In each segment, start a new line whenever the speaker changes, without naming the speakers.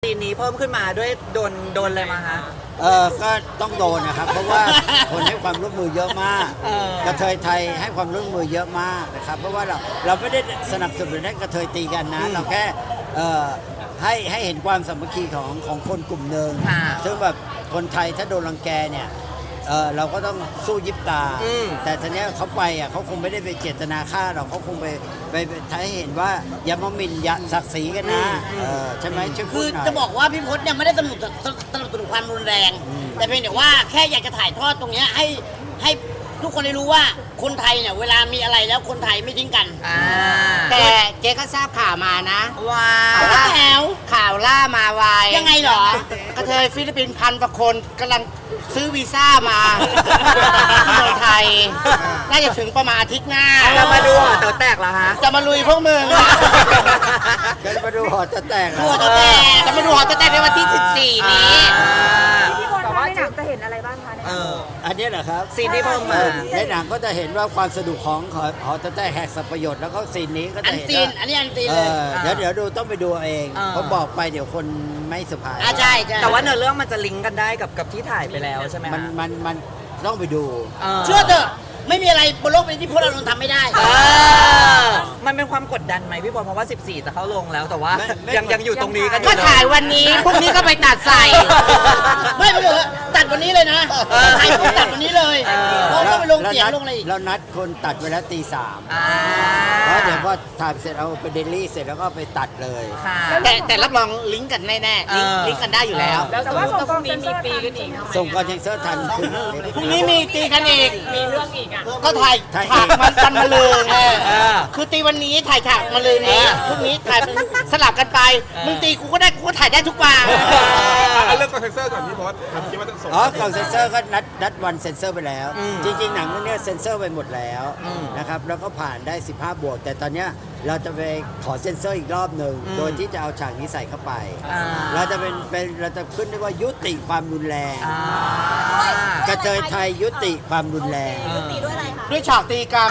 ซีนนี้เพิ่มขึ้นมาด้วยโดนอะไรมาฮะ
ก็ต้องโดนนะครับเพราะว่าคนให้ความร่วมมือเยอะมากกระเทยไทยให้ความร่วมมือเยอะมากนะครับเพราะว่าเราไม่ได้สนับสนุนให้กระเทยตีกันนะเราแค่ให้เห็นความสามัคคีของคนกลุ่มหนึ่งซึ่งแบบคนไทยถ้าโดนรังแกเนี่ยเราก็ต้องสู้ยิบตาแต่ทีนี้เขาไปเขาคงไม่ได้ไปเจตนาฆ่าเราเขาคงไปทำให้เห็นว่าอย่ามาหมิ่นอย่าศักดิ์ศรีกันนะใช่ไหมช่วยพู
คื
ด
อ
หน่อย
จะบอกว่าพี่พจน์เนี่ยไม่ได้สนับสนุนความรุนแรง แต่เพียงแต่ว่าแค่อยากจะถ่ายทอดตรงเนี้ยให้ทุกคนได้รู้ว่าคนไทยเนี่ยเวลามีอะไรแล้วคนไทยไม่ทิ้งกัน
แต่เจ๊ก็ทราบข่าวมานะ
ว้า
แล้วแถว
ข่าวล่ามาไว
ยังไงเหรอ
กระเทยฟิลิปปินส์1,000 กว่าคนกำลังซื้อวีซ่ามาที่เมืองไทย น่าจะถึงประมาณอาทิตย์หน้า
จะมาดูหอเต๋อแตกเหรอฮะ
จะมาลุยพวกมึง
กันมาดูหอจะแตก
หัวจะแตก
จะมาดูหอจะแต่ในวันที่ 14 นี้
พี่บอลคะในหนังจะเห็นอะไรบ้างคะในหนัง
อันนี้เหรอครับ
ซีนที่เพิ่มมา
ในหนังก็จะเห็นว่าความสนุกของหอจะแตกแหกสับประโยชน์แล้วก็ซีนนี้ก็
อั
จะ
น
เห็น
ซีน
ว่า
อันนี้อันซีนเลย
เดี๋ยวดูต้องไปดูเอาเองเพราะบอกไปเดี๋ยวคนไม่สบาย
ใช่ใช่
แต่ว่าเนื้อเรื่องมันจะลิงก์กันได้กับที่ถ่ายไปแล้วใช่ไหม
มันต้องไปดู
เชื่อเถอะไม่มีอะไรบนโลกใบนี้ที่พวกเราทำไม่ได้
มันเป็นความกดดันไหมพี่บอลเพราะว่า 14 จะเข้าลงแล้วแต่ว่า
ไม่
ยังอยู่ตรงนี้กันอ
ก็
ยู่เล
ถ่ายวันนี้ พรุ่งนี้ก็ไปตัดใส่
ไม่ไปเลยตัดวันนี้เลยนะถ่ายปุ๊บตัดวันนี้เลยเพราะต้องไปลงเสียงลงอะไรอีก
เรานัดคนตัดไว้แล้วตี 3
อ่า
เพราะเดี๋ยวพอถ่ายเสร็จเอาไปเดลี่เสร็จแล้วก็ไปตัดเลย
ค่ะ
แต่รับรองลิงก์กันแน่ๆลิงก์กันได้อยู่แล้ว
แต่ว่าส่งกองเซนเซอร์ทัน
ส่งคอนเทนเซอร์ทันขึ้น
พรุ่งนี้มีตีกันอีก
มีเรื่องอีกอ่ะ
ก็ถ่าย
ถ่าย
ฉากมันมาลืน
อ
คือตีวันนี้ถ่ายฉากมาลืนนี้พรุ่งนี้ถ่ายเป็นสลับกันไปมึงตีกูก็ได้กูก็ถ่ายได้ทุกวัน
เอาเรื่องคอนเทนเซอร์ก่อนพี่พศผมคิดว่าต้องส่ง
ก่อนเซนเซอร์ก็นัดวันเซนเซอร์ไปแล้ว จริงๆหนังเรื่องนี้เซนเซอร์ไปหมดแล้วนะครับแล้วก็ผ่านได้ 15 บวก แต่ตอนเนี้ยเราจะไปขอเซนเซอร์อีกรอบหนึ่งโดยที่จะเอาฉากนี้ใส่เข้าไป เราจะเราจะขึ้นได้ว่ายุติความรุนแรงกระเทยไทยยุติความรุนแรง
ด้วยฉากตีกัน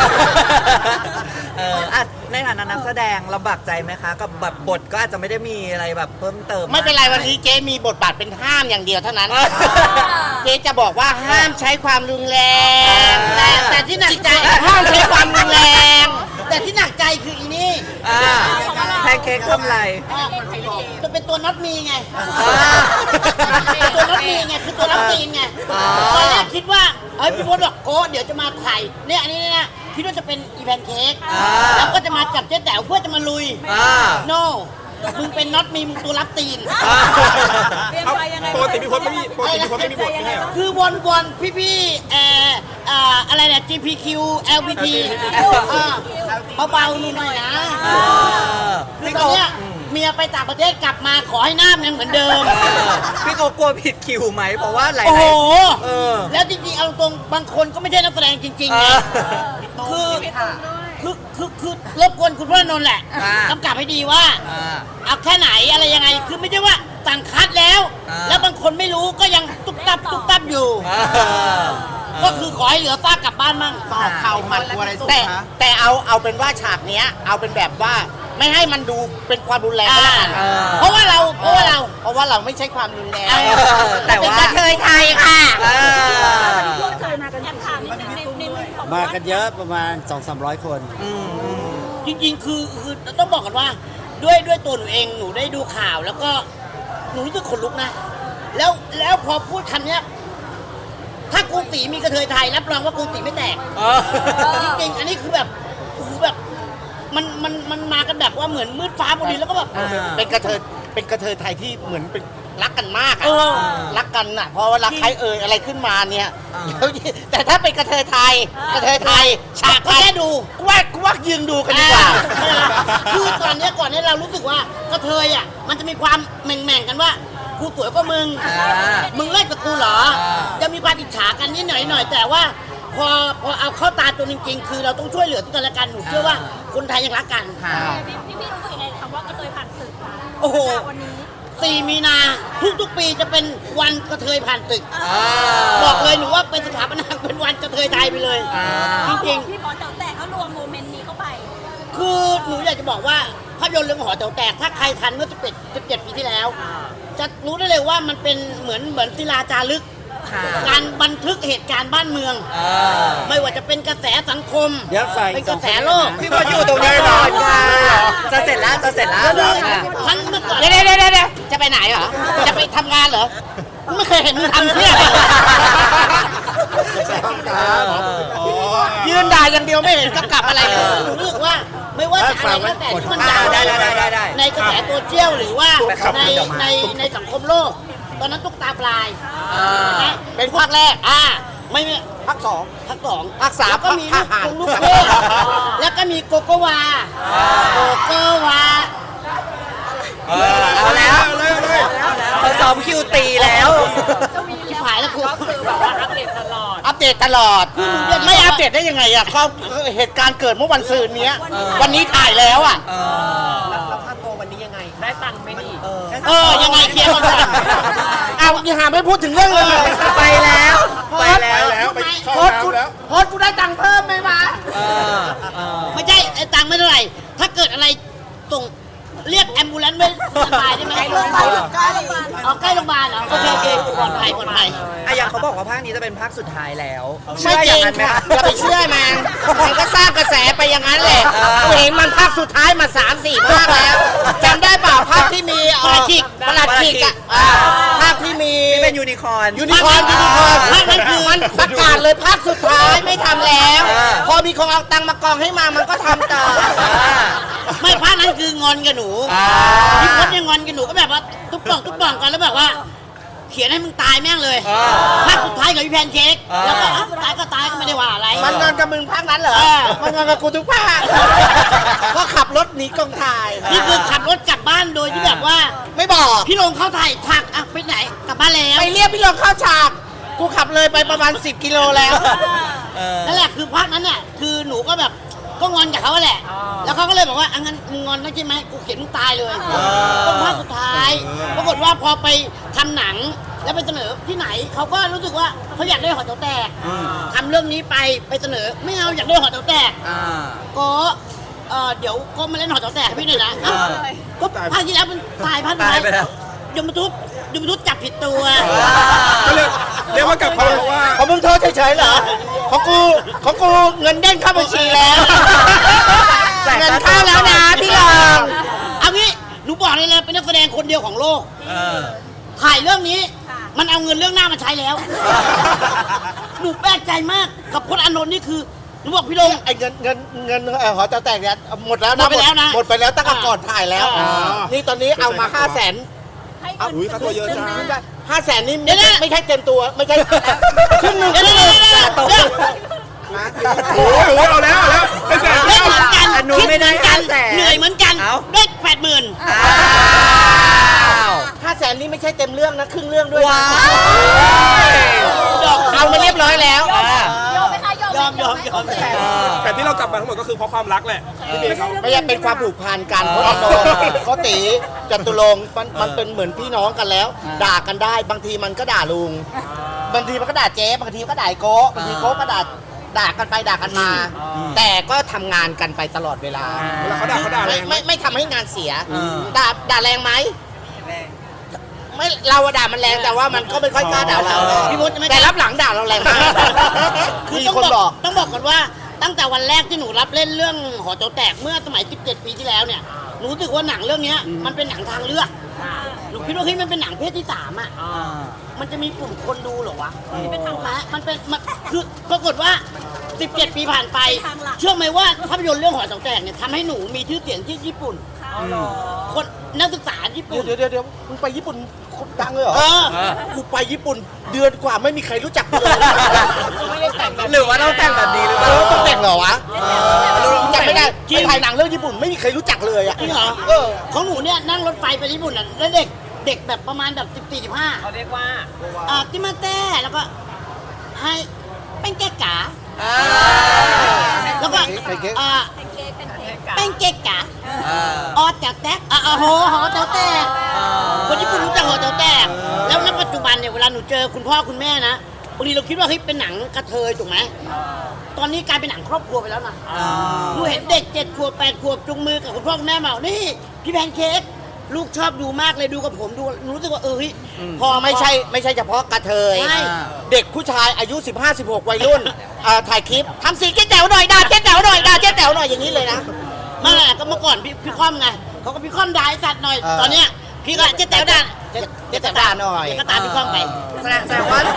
ในฐานะนักแสดงลำบากใจไหมคะกับแบบบทก็อาจจะไม่ได้มีอะไรแบบเพิ่มเติม
ไม่เป็นไรวันนี้เจ๊มีบทบาทเป็นห้ามอย่างเดียวเท่านั้น เจ๊จะบอกว่าห้ามใช้ความรุนแรง
แต่ที่หนักใจ
ห้ามใช้ความรุนแรง
แต่ที่หนักใจคืออีนี่
แพนเค้กทำอะไร
จะเป็นตัวน็อตมีไงตัวน็อตมีไงคือตัวน็อตตีนไงตอนแรกคิดว่าเฮ้ยพี่พจน์บอกโก้เดี๋ยวจะมาถ่ายเนี่ยอันนี้นะคิดว่าจะเป็นอีแพนเค้กแล้วก็จะมาจับเจ๊แต๋วเพื่อจะมาลุย no มึงเป็นน็อตมีมึงตัวรับตีน
เอาปกติพี่พศไม่มีบทไม่ใช่เหรอ
คือวนพี่อะไรเนี่ย GPQ LPT เบาๆนู่นหน่อยนะคือตอนเนี้ยเมียไปต่างประเทศกลับมาขอให้หน้ามันยังเหมือนเดิม
พี่โกกลัวผิดคิวไหมเพราะว่าหลาย
โอ้โห
ๆ
แล้วจริงๆเอาตรงบางคนก็ไม่ใช่นักแสดงจริงๆไงคือรบกวนคุณพระนนท์แหละกำกับให้ดีว่าเอาแค่ไหนอะไรยังไงคือไม่ใช่ว่าต่างคัดแล้ว แล้วบางคนไม่รู้ก็ยังตุ๊บตับอยู่ ก็คือขอให้เหลือฟ้ากลับบ้านมั่ง
ต่อเข่าหมัดอะไรแต่เอาเป็นว่าฉากเนี้ยเอาเป็นแบบว่าไม่ให้มันดูเป็นความรุนแรงก็แล้วกัน
เพราะว่าเรา
ไม่ใช่ความรุนแรง
แต่ว่า
เป็นกระเทยไทยค่ะ
พวกเธอมากันกี่คน
มากันเยอะประมาณ 200-300 คน
จริงๆคือต้องบอกกันว่าด้วยตัวหนูเองหนูได้ดูข่าวแล้วก็หนูรู้สึกขนลุกนะแล้วพอพูดคำเนี้ยถ้ากรุงศรีมีกระเทยไทยรับรองว่ากรุงศรีไม่แตกจริงๆอันนี้คือแบบมันมากันแบบว่าเหมือนมืดฟ้าพอดีแล้วก็แบบ
เป็นกระเทยไทยที่เหมือนเป็นรักกันมาก
เอ
อะ
อ
รักกันน่ะเพราะว่ารักใครอะไรขึ้นมาเนี่ยแต่ถ้าเป็นกระเทยไทยฉาก
ก็แค่ดู
กูว่ายืนดูกันดีกว่า
คือก่อนเนี้ยเรารู้สึกว่ากระเทยอ่ะมันจะมีความแหม่งๆกันว่ากูสวยกว่ามึงเลิศกว่ากูเหรอจะมีความอิจฉากันนิดหน่อยแต่ว่าพอเอาเข้าตาตัวจริงๆคือเราต้องช่วยเหลือกันและกันหนูเชื่อว่าคนไทยยังรักกัน
พี่รู้สึกยังไงคำว่ากระเทยผ่านศึกคะ
โอ้โห
วันนี้
4 มีนาทุกปีจะเป็นวันกระเทยผ่านตึกบอกเลยหนูว่าเป็นสถาปนาเป็นวันกระเทยไทยไปเลย จริง
พี่บอลแต่เขารวมโมเมนต์นี้เข้าไป
ๆคือหนูอยากจะบอกว่าภาพยนตร์เรื่องหอแถวแตกถ้าใครทันเมื่อ17ปีที่แล้ว จะรู้ได้เลยว่ามันเป็นเหมือนศิลาจารึก
ค่ะ
การบันทึกเหตุการณ์บ้านเมือง ไม่ว่าจะเป็นกระแสสังคม
เดี๋ยวฝ่าย
เป็นกระแสโลก
พี่พลอยู่ตรงนี้ก่อนค่ะจะเสร็จแล้วจะเสร็จแล้ว
ทั้งเมื่อก่อนเดี๋ยวจะไปไหนเหรอ จะไปทำงานเหรอไม่เคยเห็นมึงทำเที่ยอะไรยืนด่าอย่างเดียวไม่เห็นกำกับอะไรเลยรู้สึกว่าไม่ว่าจะอะไรก็แต่ที่มันด่า
ได้
ในกระแสโซเชียลหรือว่าในสังคมโลก ตอนนั้นตุ๊กตาปลายนะเป็นภาคแรกไม่ภาคสองภาคสามก็มีลูกเทพแล้วก็มีโกโกวา
เอาแล้วเขาซ้อมคิวตีแล้ว
ชิบหายแล้วคุณ
อัปเดตตลอดไม่อัปเดตได้ยังไงอ่ะก็เหตุการณ์เกิดเมื่อวันซืนนี้วันนี้ถ่ายแล้วอ่ะยังไงเคลียร์กันก่อนเอาอย่าหาไม่พูดถึงเรื่องเลย
ไปแล้ว
ไปเข้าน้ำแล้ว
โพสต์กูได้ตังค์เพิ่มไหมวะ
ไม่ใช่ไอ้ตังค์ไม่เท่าไหร่ถ้าเกิดอะไรส่งเรียกแอมบูเลนซ์ไม่สบายได้ไหมใกล้โรงพยาบาลใกล้โรงพยาบาลเหรอโอเคปลอดภัย
อย่างเขาบอกว่าภาคนี้จะเป็นภาคสุดท้ายแล้ว
ไม่จริงค่ะอย่าไปเชื่อมันก็สร้างกระแสไปอย่างนั้นแหละกูเห็นมันภาคสุดท้ายมา 3-4 ภาคแล้วจำได้เปล่าภาคที่มีประหลัดขิกอ่ะภาคที่มี
เป็นยูนิคอร์น
ภาคนั้นคือมันประกาศเลยภาคสุดท้ายไม่ทำแล้ว พอมีคนเอาตังค์มากองให้มามันก็ทำต่อ
ไม่ภาคนั้นคืองอนกับหนูพี่พจน์ยังงอนกับหนูก็แบบว่าทุบป่องกันแล้วแบบว่า เขียนให้มึงตายแม่งเลยภาคสุดท้ายกับพี่แพนเค้กแล้วก็ตายก็ไม่ได้ว่าอะไร
มันงอนกับมึงภาคนั้นเหรอมันงอนกับกูทุกภาคก็ขับรถหนีกองถ่าย
นี่คือขับรถกลับบ้านโดยที่แบบว่า
ไม่บอก
พี่ลงเข้าถ่ายถักไปไหนกลับบ้านแล้ว
ไปเรียกพี่ลงเข้าฉากกูขับเลยไปประมาณ10 กิโลแล้ว
นั่นแหละคือภาคนั้นเนี่ยคือหนูก็แบบก็งอนกับเขาแหละแล้วเขาก็เลยบอกว่างั้นมึงงอนนะใช่ไหมกูเขียนมึงตายเลยต้องภาคสุดท้ายปรากฏว่าพอไปทำหนังแล้วไปเสนอที่ไหนเขาก็รู้สึกว่าเขาอยากได้หอแถวแตกทำเรื่องนี้ไปเสนอไม่เอาอยากได้หอแถวแตกก็เดี๋ยวก็มาเล่นหอแถวแตกให้พี่หน่อยนะก็ภาคที่แล้วมันตายภาคไหนยมทุบจับผิดตัว
ก็เรียกว่ากลับมาเพราะว่า
ของมึงโทษเฉยๆเหรอของกูเงินเด้งเข้าบัญชีแล้วเงินเข้าแล้วนะพี่ลอง
เอางี้หนูบอกเลยนะเป็นนักแสดงคนเดียวของโลกถ่ายเรื่องนี้มันเอาเงินเรื่องหน้ามาใช้แล้วหนูแปลกใจมากกับพจน์อานนท์นี่คือหนูบอกพี่ลง
ไอ้เงินหอแต๋วแตกเนี่ยหมดแล้วนะ
หมดไปแล้วนะ
หมดไปแล้วตั้งแต่ก่อนถ่ายแล้วนี่ตอนนี้เอามา500,000
อุ้ยค่าตัวเยอะจัง
500,000นี่ไม่ใช่เต็มตัวไม่ใช่ครึ่งหนึง
เดี๋ยว
โอ้โหเอาแล้วไม่แสน
เล่นเหมือนกัน
อันนู้น
คิด
ไม่
เห
ได้
มือนกัน
500,000
เหนื่อยเหมือนกันได้80,000
500,000นี่ไม่ใช่เต็มเรื่องนะครึ่งเรื่องด้วย
ว้าว
เอามาเรียบร้อยแล้ว
ยอม
แต่ที่เรากลับมาทั้งหมดก็คือเพราะความรักแหละพี่เบย์เขา
ไม่ใช่เป็นความผูกพันกันเพราะโดนเขาตีจตุรงค์มันเป็นเหมือนพี่น้องกันแล้ว ด่ากันได้บางทีมันก็ด่าลุงบางทีมันก็ด่าเจ๊บางทีก็ด่าโก้บางทีโก้ก็ด่ากันไปด่ากันมา แต่ก็ทำงานกันไปตลอดเวลา
เวลาเขาด่าแรงไหม
ไม่ทำให้งานเสียด่าแรงไหมไม่เราด่ามันแรงแต่ว่ามันก็ไม่ค่อยกล้าด่าเรา
พี่มดจะไม่
แต่รับหลังด่าเราแรงมาก
คือ
มีคนบอก
ต้องบอกก่อนว่าตั้งแต่วันแรกที่หนูรับเล่นเรื่องหอแถวแตกเมื่อสมัย17 ปีที่แล้วเนี่ยหนูรู้สึกว่าหนังเรื่องนี้มันเป็นหนังทางเลือกหนูคิดว่าเฮ้ยมันเป็นหนังเพศที่3อ่ะมันจะมีกลุ่มคนดูเหรอวะมันคือปรากฏว่า17 ปีผ่านไปเชื่อไหมว่าภาพยนตร์เรื่องหอแถวแตกเนี่ยทำให้หนูมีชื่อเสียงที่ญี่ปุ่นคนนักศึกษาญี่ปุ่น
เดี๋ยวมึงไปญี่ปุ่นคนดังเลยเหรอกูไปญี่ปุ่นเดือนกว่าไม่มีใครรู้จักกูเลย
หรือว่าต้องแต่งแบบนี้หรือเปล่า
ต้องแต่งเหรอวะจำไม่ได้ไปถ่ายหนังเรื่องญี่ปุ่นไม่มีใครรู้จักเลยอ่ะ
จริงเหรอของหนูเนี่ยนั่งรถไฟไปญี่ปุ่นอ่ะแล้วเด็กแบบประมาณแบบ14-15เขาเรียกว่าติมาเต้แล้วก็ให้เป็นเก๊กกาแล้วก็เป็นเก๊กกาออแถวแตกหอแถวแตกคนญี่ปุ่นรู้จักหอแถวแตกแล้วณปัจจุบันเนี่ยเวลาหนูเจอคุณพ่อคุณแม่นะบางทีเราคิดว่าเฮ้ยเป็นหนังกระเทยถูกไหมตอนนี้กลายเป็นหนังครอบครัวไปแล้วนะหนูเห็นเด็ก7 ขวบ 8 ขวบจุงมือกับคุณพ่อคุณแม่มานี่พี่แพนเค้กลูกชอบดูมากเลยดูกับผมดูรู้สึกว่าเฮ้ย
พอไม่ใช่เฉพาะกระเทย
ใช่
เด็กผู้ชายอายุ 15-16 วัยรุ่นถ่ายคลิปทำสีเจ๊แต๋วหน่อยด่าเจ๊แต๋วหน่อยด่าเจ๊แต๋วหน่อยอย่างนี้เลยนะ
ไม่แหละก็เมื่อก่อนพี่ค่อมไงเขาก็พี่ค่อมด่าไอ้สัตว์หน่อย ตอนเนี้ยพี่ก็เจ๊แต๋วด่า
เจ๊แต๋วด่าหน่อย
เจ๊ก็ตามพี่ค่อมไป
แสดงว่า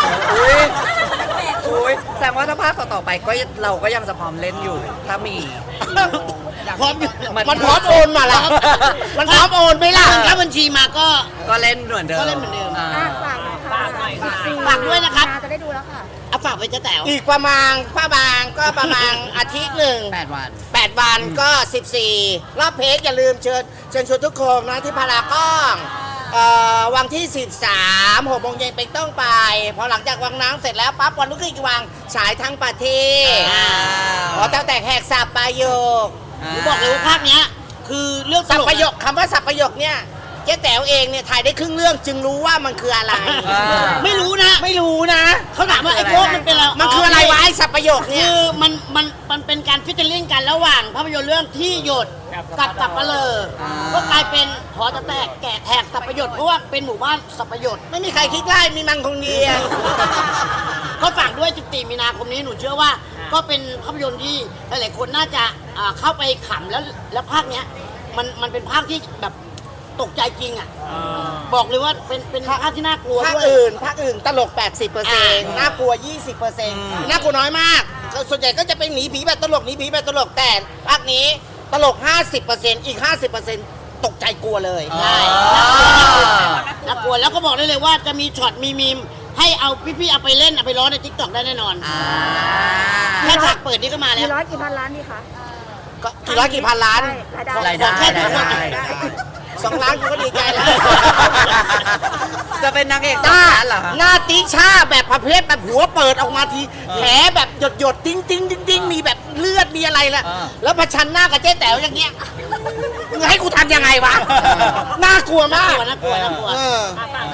อุ้ยแสดงว่าถ้าภาคต่อๆไปก็เราก็ยังจะพร้อมเล่นอยู่ ถ้ามี
พร้อมอยู่
มันพร้อมโอนมาละมันพร้อมโอนไหมล่ะ
ถ้าบัญชีมาก็
ก็เล่นเหมือนเดิม
ก็เล่นเหมือนเดิม
อ่า
ฝากหน่อยค่ะ
ฝากด้วยนะครับ
จะได้ดูแล้วค่ะ
เอาฝากไปเจ๊แต๋ว
อีกประมาณประมาณอาทิตย์หนึ่ง
8 วัน
8 วันก็ 14 รอบเพจอย่าลืมเชิญชวนทุกคนนะที่พารากอนวันที่ 13 6 โมงเย็นเป็นต้องไป พอหลังจากวังน้ำเสร็จแล้วปั๊บวันรุ่งขึ้นอีกวังฉายทั้งประเทศตั้งแต่แหกสับประโยค
หนูบอกเลยว่าภาคเนี้ยคือเรื่องต
สับ
ลก
ประโยคคำว่าสับประโยคเนี่ยเจ๊แต๋วเองเนี่ยถ่ายได้ครึ่งเรื่องจึงรู้ว่ามันคืออะไร
ไม่รู้นะ
ไม่รู้นะ
เขาถามว่าไอ้โค้กมันเป็นอะไร
มันคืออะไรวะไอ้สับประโยคเนี่
คื
ย
อมันเป็นการฟิชเชอร์ลิงกันระหว่างภาพยนตร์เรื่องที่หยดกับสับปะเลอก็กลายเป็นหอจะแตกแกะแหกสับประโยชน์เพราะว่าเป็นหมู่บ้านสับประโยชน์
ไม่มีใครคิดไล่มีมังคงเดียว
ก็ฝากด้วย14 มีนาคมนี้หนูเชื่อว่า ก็เป็นภาพยนตร์ที่หลายๆคนน่าจะเข้าไปขำแล้วภาคเนี้ยมันเป็นภาคที่แบบตกใจจริงอ่ะบอกเลยว่าเป็นภาคที่น่ากลัว
ภาค
ด้วย
อื่นตลก 80%น่ากลัว 20%น่ากลัวน้อยมาก ส่วนใหญ่ก็จะเป็นหนีผีแบบตลกหนีผีแบบตลกแต่ภาคนี้ตลก 50%อีก 50%ตกใจกลัวเลย
ใช่น่ากลัวแล้วก็บอกได้เลยว่าจะมีช็อตมีมีมให้เอาพี่ๆเอาไปเล่นเอาไปร้องในทิกตอกได้แน่นอนแค่ฉากเปิดนี่ก็มาแล้
กี่
ว
ร้อยกี่พันล้านดีคะ
ก็กี่ร้อยกี่พันล้าน
รายได้
รายได้
ราย
รายได้
2 ล้านกูก็ดีใจแล้ว
จะเป็นนางเอก
หน้า
สำคัญเหรอคะ
หน้าติช่าแบบประเภทแบบหัวเปิดออกมาทีแผลแบบหยดติ้งติ้งติ้งติ้งมีแบบเลือดมีอะไรละแล้วประชันหน้ากับเจ๊แต๋วอย่างเงี้ยมึงให้กูทำยังไงวะน่ากลัวมาก
น่ากลัว
เออ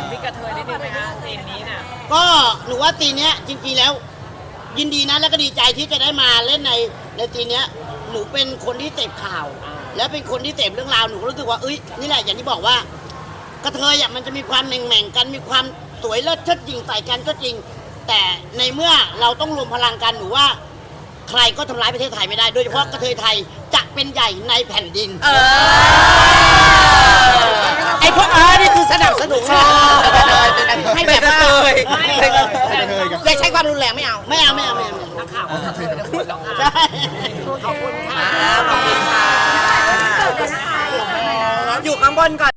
ก็หนูว่าตีเนี้ยจริงๆแล้ว ยินดีนะแล้วก็ดีใจที่จะได้มาเล่นในตีเนี้ยหนูเป็นคนที่เสพข่าว และเป็นคนที่เสพเรื่องราวหนูก็รู้สึกว่าเอ้ยนี่แหละอย่างที่บอกว่ากระเทยอ่ะมันจะมีความแหม่งๆกันมีความสวยเลิศเชิดหยิ่งใส่กันก็จริง แต่ในเมื่อเราต้องรวมพลังกันหนูว่า ใครก็ทำร้ายประเทศไทยไม่ได้ โดยเฉพาะกระเทยไทยจะเป็นใหญ่ในแผ่นดิน
ไอ้พวกนี่คือสนับสนุนให้แบบว่าอย่าใช้ความรุนแรงไม่เอา
ไม่เอานักข่าวใช่
โอเค
ขอบคุณค่ะ
เปิดเลยนะคะ
อยู่ข้างบนก่อน